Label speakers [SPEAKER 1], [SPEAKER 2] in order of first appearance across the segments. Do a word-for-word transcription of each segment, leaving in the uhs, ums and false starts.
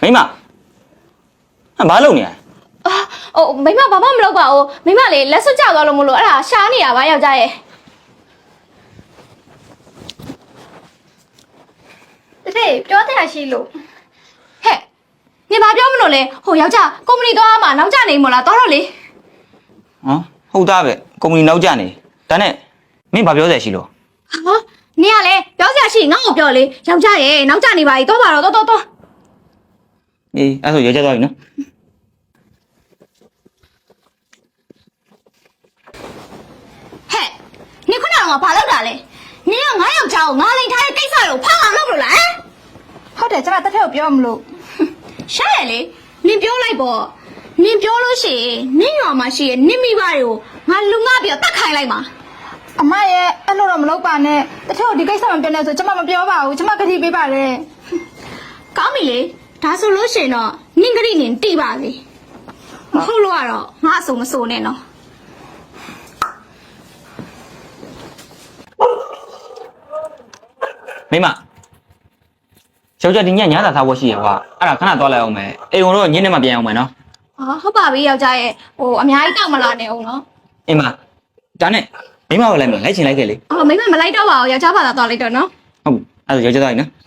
[SPEAKER 1] မိမဘာလုပ်နေရလဲ
[SPEAKER 2] ဟိုမိမဘာမှမလုပ်ပါဘူးမိမလေလက်စွပ်ကျသွားလို့မလို့အဲ့ဒါရှားနေတာပါယောက်ျားရဲ့တဲ့ပြောတဲ့ဟာရှိလို့ဟဲ့နေဘာပြောမလို့လဲဟိုယောက်ျားကုမ္ပဏီသွားမှာနောက်ကျနေမို့လားသွားတော့လေ
[SPEAKER 1] ဟမ်ဟုတ်သားပဲကုမ္ပဏီနောက်ကျနေဒါနဲ့မင်းဘာပြောစရာရှိလို့
[SPEAKER 2] ဟာနေရလေပြောစရာရှိငါ့ကိုပြောလေယောက်ျားရဲ့နောက်ကျနေပါ ਈ သွားပါတော့သွားသွားသွား
[SPEAKER 1] အေးအဲ့ဆိုရဲကြသွားပြီနော်
[SPEAKER 2] ဟဲ့နေခုနကဘာလုပ်တာလဲနေကငါယောက်ျားကိုငါလိန်ထားတဲ့ကိစ္စကိုဖောက်အောင်လုပ်လို့လားဟုတ်တယ်ကျမတက်ထက်ကိုပြောမလို့ရှားရလေနင်ပြောလိုက်ပေါ့နင်ပြောလို့ရှိရင်နင်ရွာမှာရှိရဲ့နင်မိဘတွေကိုငါလူငါပြီးတော့တတ်ခိုင်းလိုက်ပါအမရဲ့အဲ့လိုတော့မလုပ်ပါနဲ့တက်ထက်ကိုဒီကိစ္စမပြောနဲ့ဆိုကျမမပြောပါဘူးကျမကတိပေးပါလေကောင်းပြီလေဒါဆိုလို့ရှိရင်တော့နင်ကတိနင်တိပါစေမဟုတ်လို့ကတော့ငါအစုံမစိုးနဲ့နော်
[SPEAKER 1] မိမယောက်ျားဒီညညသာထားဖို့ရှိရကွာအဲ့ဒါခဏသွားလိုက်အောင်မယ်အိမ်ဝင်တော့ညနေမှပြန်အောင်မယ်နော်
[SPEAKER 2] ဟာဟုတ်ပါပြီယောက်ျားရဲ့ဟိုအများကြီးတောက်မလာနဲ့အောင်နော်
[SPEAKER 1] အင်းမဒါနဲ့မိမကိုလိုက်မယ်လိုက်ချင်လိုက်ခဲ့လေ
[SPEAKER 2] အော်မိမမလိုက်တော့ပါဘူးယောက်ျားဘာသာသွားလိုက်တော့နော်
[SPEAKER 1] ဟုတ်အဲ့ဒါယောက်ျားသွားပြီနော်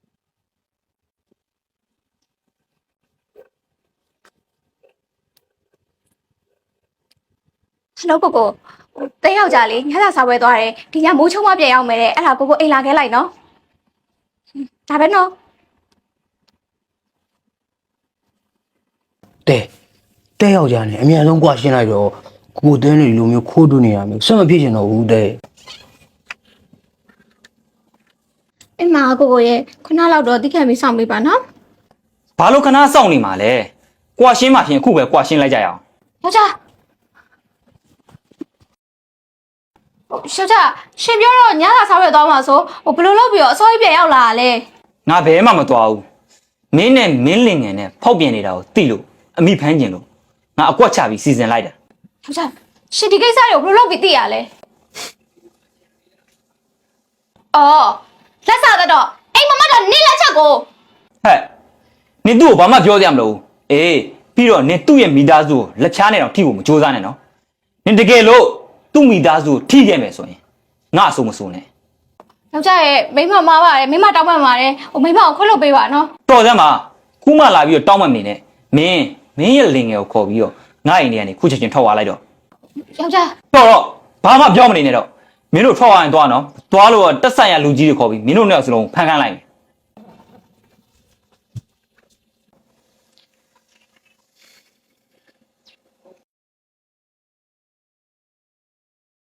[SPEAKER 2] ဟယ်လိုကိုကိုတဲယောက်ျားလေးညစာစားပွဲသွားတယ်ဒီညမိုးချုံမပြန်ရောက်မယ်တဲ့အဲ့ဒါကိုကိုအိမ်လာခဲ့လိုက်နော်ဒါပဲနော်
[SPEAKER 3] တဲတဲယောက်ျားနဲ့အမြန်ဆုံးကြွားရှင်းလိုက်တော့ကိုတဲနေလိုမျိုးခိုးတူနေရမျိုးဆက်မဖြစ်ချင်တော့ဘူးတဲ
[SPEAKER 2] အင်းမကိုကိုရဲ့ခုနလောက်တော့တိခံပြီးစောင့်ပေးပါနော်
[SPEAKER 1] ဘာလို့ခဏစောင့်နေမှာလဲကြွားရှင်းမှဖြင့်အခုပဲကြွားရှင်းလိုက်ကြရအောင်
[SPEAKER 2] ယောက်ျားရှေ့ချရှင်ပြောတော့ညစာစားရသွားမှာဆိုဟိုဘယ်လိုလုပ်ပြီးတော့အစောကြီးပြန်ရောက်လာတာလဲ
[SPEAKER 1] ငါဘယ်မှမသွားဘူးမင်းနဲ့မင်းလင်ငယ်နဲ့ဖောက်ပြန်နေတာကိုသိလို့အမိဖမ်းကျင်လို့ငါအကွက်ချပြီးစီစဉ်လိုက်တာ
[SPEAKER 2] ယောက်ျားရှင်ဒီကိစ္စတွေကိုဘယ်လိုလုပ်ပြီးသိရလဲအော်လက်စားတော့အိမ်မမတော့နင်းလက်ချက်ကို
[SPEAKER 1] ဟဲ့နင်သူ့ကိုဘာမှပြောစရာမလိုဘူးအေးပြီးတော့နင်သူ့ရဲ့မိသားစုကိုလက်ချားနေတော့ထိဖို့မကြိုးစားနဲ့နော်နင်တကယ်လို့သူ့မိသားစုကိုထိခဲ့မယ်ဆိုရင်ငါအဆိုးမဆိုးနဲ့
[SPEAKER 2] ယောက်ျားရဲ့မိမမားပါတယ်မိမတောင်းပန်ပါတယ်ဟိုမိမကိုခွတ်လုပ်ပေးပါနော်
[SPEAKER 1] တော်စမ်းပါခုမှလာပြီးတော့တောင်းပန်နေနဲ့မင်းမင်းရဲ့လင်ငယ်ကိုခေါ်ပြီးတော့ငါအိမ်ထဲကနေခုချက်ချင်းထွက်သွားလိုက်တော့
[SPEAKER 2] ယောက်ျား
[SPEAKER 1] တော်တော့ဘာမှပြောမနေနဲ့တော့မင်းတို့ထွက်သွားရင်သွားနော်သွားလို့တက်ဆိုင်ရလူကြီးတွေခေါ်ပြီးမင်းတို့နှစ်ယောက်စလုံးဖမ်းခန်းလိုက်မယ်